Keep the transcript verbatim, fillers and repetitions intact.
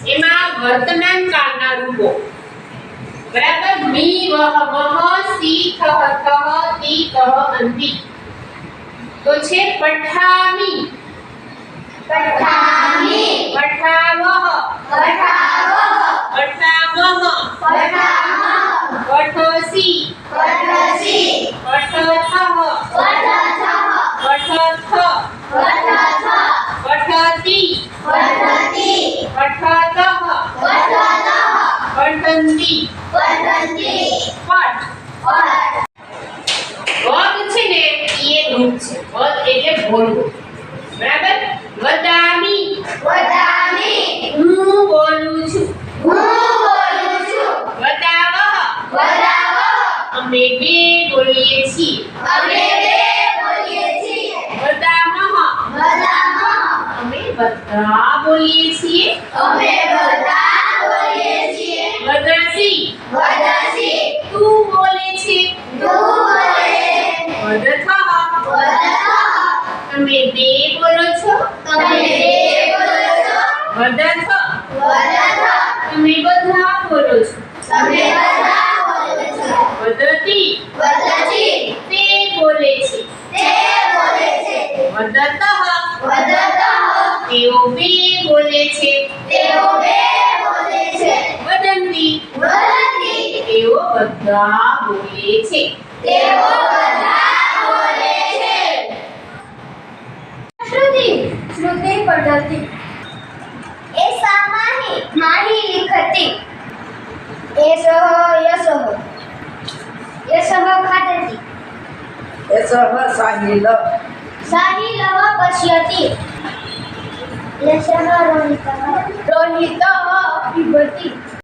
એમાં વર્તમાન કાળના રૂપો બરાબર મી વહ મહ સી થહ થહ તી તહ અંતિ તો છે પઠામી पठामी પઠાવહ पठावह પઠામહ पठामह પઠસી पठसि પઠથહ पठथः પઠથ पठथ પઠતી पठति પઠતઃ पठतः પઠંતી पठन्ति પઠ पठ પદ છે ને એ રૂપ છે પદ એટલે બોલવું બરાબર વદામી वदामि હું બોલું છું હું બોલું છું વદાવહ वदावह અમે બે બોલીએ છીએ અમે બે બોલીએ છીએ વદામહ વદામહ અમે બધા બોલીએ છીએ અમે બધા બોલીએ છીએ વદસી વદસી તું બોલે છે તું બોલે વદથહ વદથઃ તમે બે બોલો છો તમે બે બોલો છો વદથ વદથ તમે બધા બોલો છો તમે બધા બોલો છો વદતી વદતિ તે બોલે છે તે બોલે છે વદતઃ વદતઃ તેઓ બે બોલે છે તેઓ બે બોલે છે વદંતી વદંતી તેઓ બધા બોલે છે તેઓ બધા બોલે છે श्रुति श्रुति पठति एषा माहि माहि लिखति एषः यशः यशः खादति एषः साहिलः साहिलः पश्यति यशः रोहितः रोहितः पिबति